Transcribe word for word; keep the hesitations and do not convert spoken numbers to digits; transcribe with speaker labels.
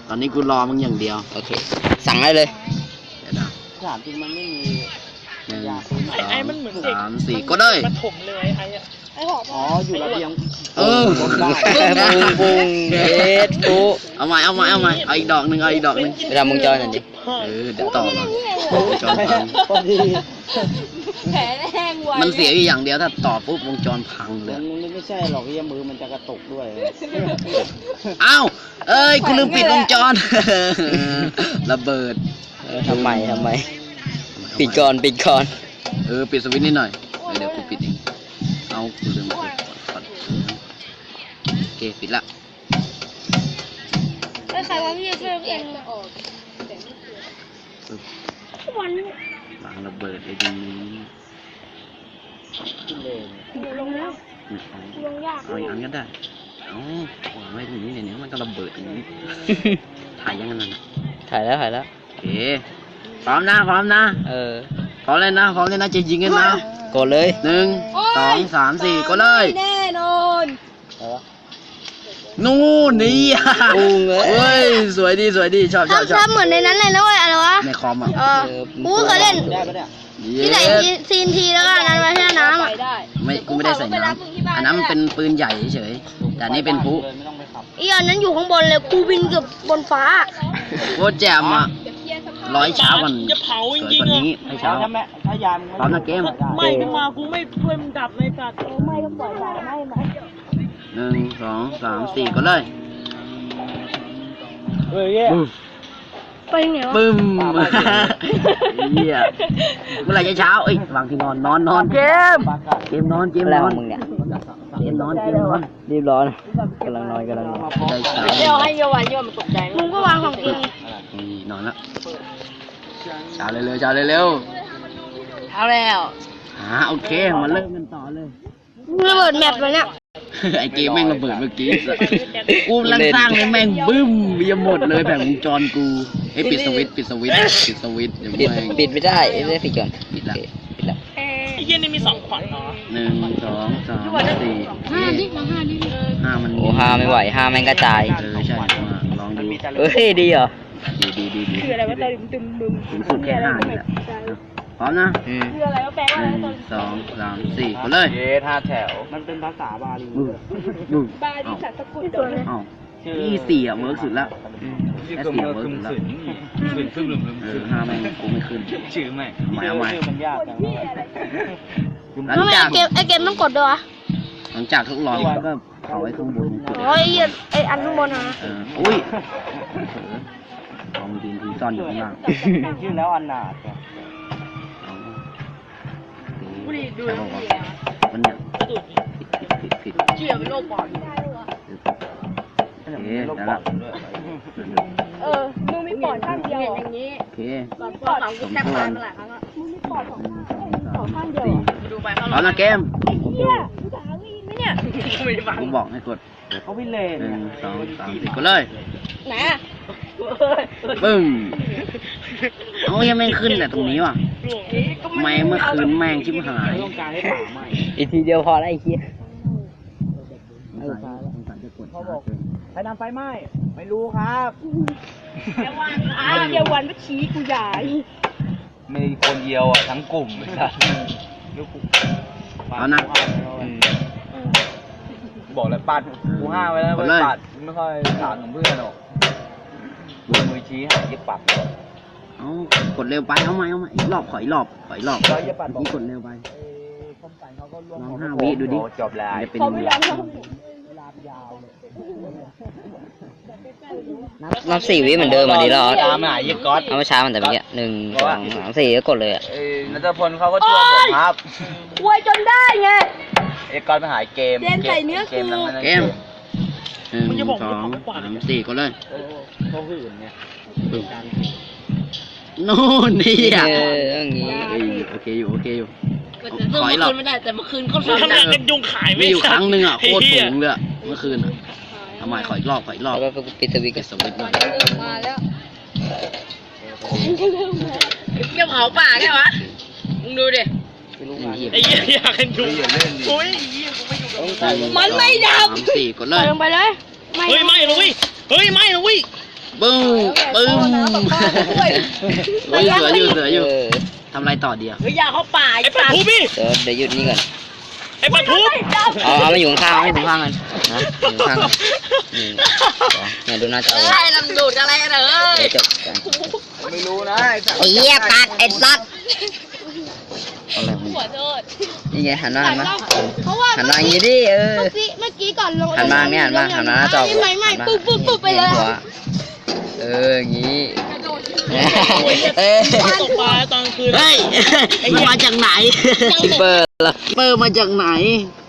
Speaker 1: ตอนนี้กูรอมึงอย่างเดียว
Speaker 2: โอเคสั่งได้เลย
Speaker 1: เดี๋ยวนะ
Speaker 3: ถามจริงมันไม่มี
Speaker 1: หนึ่งสองสามสี่ก็ได้
Speaker 4: มาถมเลยไอ้ไอ้หอม
Speaker 3: อ๋ออยู่ระเบียง
Speaker 1: เออ
Speaker 2: ปุ้งปุ้งเอ็ดกู
Speaker 1: เอาใหม่เอาใหม่เอาใหม่เอาอีกดอกหนึ่งเอาอีกดอกหนึ่ง
Speaker 2: ไปทำวงจรหน่อยดิ
Speaker 1: เออเดี๋ยวต่อมาต่อวงจรพัง
Speaker 3: พอดี
Speaker 5: แผลแห้งไว
Speaker 1: มันเสียอยู่อย่างเดียวถ้าต่อปุ๊บวงจรพังเลย
Speaker 3: มันไม่ใช่หรอกที่มือมันจะกระตุกด้วย
Speaker 1: อ้าวเอ้ยกูลืมปิดวงจรระเบิด
Speaker 2: ทำไมทำไมปิดก่อนปิดก่อน
Speaker 1: เออปิดสวิตช์นิดหน่อยเดี๋ยวกูปิดเองเอากูลืมปิดโอเคปิดละ
Speaker 5: ไม่ใครว่าพี่จะช่วยเอ็นออกวัน
Speaker 1: วางระเบิดเลยดี
Speaker 5: ลงแล้วลงยาก
Speaker 1: เอาอีกอันก็ได้เอ้าวางไว้ตรงนี้เนี่ยมันก็ระเบิดอย่างนี้ถ่ายยังไงนั่นนะ
Speaker 2: ถ่ายแล้วถ่ายแล้ว
Speaker 1: โอเคพร้อมนะพร้อมนะ
Speaker 2: เออ
Speaker 1: พร้อมเลยนะพร้อมเลยนะจะยิงกันนะ
Speaker 2: กดเลย
Speaker 1: หนึ่งสองสามสี่ก็เลย
Speaker 5: แน่นอน
Speaker 1: นู่นนี่เฮ้ยสวยดีสวยดีชอบชอบชอบ
Speaker 5: ทำเหมือนในนั้นเลยนะเว้ยอะไรวะ
Speaker 1: ในคอมอ่ะ
Speaker 5: เออกูเคยเล่นที่ไหนซีนทีแล้วก็นั้นไว้ที่น้ำอ่ะ
Speaker 1: ไม่กูไม่ได้ใส่น้ำอันนั้นมันเป็นปืนใหญ่เฉยแต่นี่เป็นพลุ
Speaker 5: อีอันนั้นอยู่ข้างบนเลยกูบินเกือบบนฟ้า
Speaker 1: โคตรแจ่มอ่ะร้อยเช้าวันสวยกว่านี้ให้เช้า
Speaker 3: ถ้ายาม
Speaker 1: พร้อมนะเกม
Speaker 4: ไม่ขึ้นมากูไม่ช่วยมึงดับเลยสัตว์
Speaker 5: ไม่ก็ปล่อยได้ไม่ไหม
Speaker 1: หนึ่งสองสามสี่ก็เลย
Speaker 3: เฮ้ย
Speaker 5: ไปไหนวะ
Speaker 1: ปึ้มเหี้ยเมื่อไหร่จะเช้าเอ้ยวางที่นอนนอนนอนเกมเกมนอนเกมนอน
Speaker 2: มึงเนี่ย
Speaker 1: เกมนอนเกมนอน
Speaker 2: รีบร้อนกำลังนอนกำลังนอน
Speaker 5: เดี๋ยวให้โยวันโยมันตกใจมึงก็วางของจริง
Speaker 1: นอนแล้วเช้าเร็วๆเช้าเร็ว
Speaker 5: เช้าแล้ว
Speaker 1: อ่าโอเคมาเริ่มกันต่อเลย
Speaker 5: ระเบิดแมปเลยเนี่ย
Speaker 1: ไอเกมแม่งระเบิดเมื่อกี้กูกำลังสร้างเลยแม่งบึ้มเบียหมดเลยแผงวงจรกูไอปิดสวิตช์ปิดสวิตช์ปิดสวิตช์
Speaker 2: ปิดปิดไม่ได้ไม่ได้ปิดก่อน
Speaker 1: ปิดละ
Speaker 2: ปิดละ
Speaker 4: ไอ้เหี้ยนี่มีสองขวัญเนาะ
Speaker 1: หนึ่งสองสามสี่
Speaker 5: ห้าดิมาห้าดิ
Speaker 1: ห้ามัน
Speaker 2: โอ้ห้าไม่ไหวห้าแม่งกระจาย
Speaker 1: เออใช่มาลองดู
Speaker 2: เฮ้ยดีเหรอ
Speaker 1: ดีดีดี
Speaker 5: คืออะไรวะตอนตึมบึม
Speaker 1: ถึงสุดแค่ห้านี่แหละพร้อมนะ
Speaker 5: คืออะไรวะแปลว่าอะไรตอน
Speaker 1: สองสามสี่ไปเลย
Speaker 3: เยท่าแถวมันเป็นภาษาบาลี
Speaker 5: บาลีสัตว์สกุลเ
Speaker 1: ดี๋ยวอ้าวยี่สี่อ่ะเวิร์กสุดแล้วแค่สี่เวิร์กสุดแล้ว
Speaker 3: ขึ้นขึ้น
Speaker 1: เออห้าแม่งกูไม่ขึ้น
Speaker 3: ชื่อแม่
Speaker 1: หมายเอาใหม่
Speaker 3: มันยากจัง
Speaker 1: หลังจาก
Speaker 5: เกมไอเกมต้องกดด้วยวะ
Speaker 1: หลังจากทดลองก็เขาไว้ข้างบน
Speaker 5: โอ้ยไออันข้างบนนะ
Speaker 1: เอออุ้ยลองดินทีซ่อนอยู่ข้างล่าง
Speaker 3: ชื่อแล้วอันนาด
Speaker 1: ใช่ป่าวมันเนี่ยผิดผิดผิดผิด
Speaker 5: เชื่อเป็นโรคปอด
Speaker 1: โอเคแล้วล่ะ
Speaker 5: เออมึงมีปอดข้างเดียวอย่างนี้
Speaker 1: โอเค
Speaker 5: ปอดปอดของกูแทบตายมาหลายครั้งแล้วมึงมีปอดของข้างเดียวดูไปเขา
Speaker 1: เอาละเกม
Speaker 5: เฮียกูถามวิ่งไหมเนี่ย
Speaker 1: กูบอกให้กด
Speaker 3: เขาวิ่งเลน
Speaker 1: หนึ่งสองสามสี่กดเลย
Speaker 5: ไหน
Speaker 1: ปึ้มเอายังไม่ขึ้นแต่ตรงนี้ว่ะไม่เมื่อคืนแม่งชิบหาย
Speaker 2: อีกทีเดียวพอแล้วไอ้เหี้ย
Speaker 3: เขาบอกใครนำไฟไหม้ไม่รู้ครับ
Speaker 5: เดี๋ยววันอ้าวเดี๋ยววันมาชี้กูใหญ่
Speaker 3: มีคนเดียวอ่ะทั้งกลุ่มเลยครับ
Speaker 1: เอานะ
Speaker 3: บอกเลยปัดกูห้าไว้แล้วปัดไม่ค่อยถามของเพื่อนหรอกมือชี้หายยึดปัด
Speaker 1: เอากดเร็วไปเอาไหมเอาไหมอีกรอบขออีกรอบขออีกรอบนี่กดเร็วไปลองห้าวิดูดิ
Speaker 3: จบแล้ว
Speaker 1: จะเป็นยังไง
Speaker 2: นับสี่วิเหมือนเดิมมาดีแล้ว
Speaker 3: ตามหายึดก๊อต
Speaker 2: เอามาช้ามันแต่เมื่อกี้หนึ่งสองสามสี่ก็กดเลยอ่ะ
Speaker 3: เออนัทพลเขาก็ช่วยผมครับ
Speaker 5: ช่วยจนได้ไง
Speaker 3: เอ็กก๊อตไปหาเกม
Speaker 5: เกมใส่เนื้อคือ
Speaker 1: เกมหนึ่งสองสามสี่กดเลย
Speaker 3: เขาหื่นไง
Speaker 1: โน่นนี่อ่ะ
Speaker 2: อย่างงี้
Speaker 1: โอเคอยู่โอเคอยู่
Speaker 5: ขอให้เราไม่ได้แต่เมื่อคืนก็
Speaker 4: ทำงานกันยุงขายไม่
Speaker 1: อยู่ครั้งนึงอ่ะโคตรสูงเลยเมื่อคืนอ่ะทำไมขออีกรอบขออีกรอบ
Speaker 2: แล้วก็ปิดสวิตช์
Speaker 1: ปิดสวิตช์หน่อย
Speaker 5: มาแล้วเกี่ยวเผาป่าแค่วะมึงดูดิ
Speaker 4: ไอ้เหี้ยอยากกันยุงโอ้ย
Speaker 5: มันไม่ดับ
Speaker 1: สี่กดเลย
Speaker 5: ลงไปเลย
Speaker 4: เฮ้ยไม่เลยเฮ้ยไม่เลย
Speaker 1: บึ้มบึ้มโอ้ยเสืออยู่เสืออยู่
Speaker 2: เออ
Speaker 1: ทำอะไรต่อดีอ่ะ
Speaker 5: เฮ้ยอย่าเข้าป่า
Speaker 4: ไอ้ปลาทูพี่
Speaker 2: เดี๋ยวเดี๋ยวหยุดนี่ก่อน
Speaker 4: ไอ้ปลาทู
Speaker 2: เอาเอามาอยู่ข้างๆเอามาอยู่ข้างๆกันนะอยู่ข้างๆกันนี่เนี่ยดูหน้าจอ
Speaker 5: ใช่ลำดูดอะไรกันเหรอ
Speaker 2: เดี๋ยวจบกัน
Speaker 3: ไม่รู้นะ
Speaker 2: ไอ้เหี้ยกัดไอ้สัตว์
Speaker 1: อะไรของมึง
Speaker 5: หัวโทษ
Speaker 2: นี่ไงหันมาหันมา
Speaker 5: เพราะว่า
Speaker 2: หันมาอย่างงี้ดิเออ
Speaker 5: เมื่อกี้เมื่อกี้ก่อนลง
Speaker 2: หันมาเนี่ยหันมาหันมาหน้าจอ
Speaker 5: ไม่ไม่ปุ๊บปุ๊บปุ๊บไปเลย
Speaker 2: หัวเอออย่างงี้เออ
Speaker 4: ตกปลาตอนคืน
Speaker 1: เฮ้ยมันมาจากไหน
Speaker 2: คิปเปอร์เหรอ
Speaker 1: เปอร์มาจากไหน
Speaker 5: เ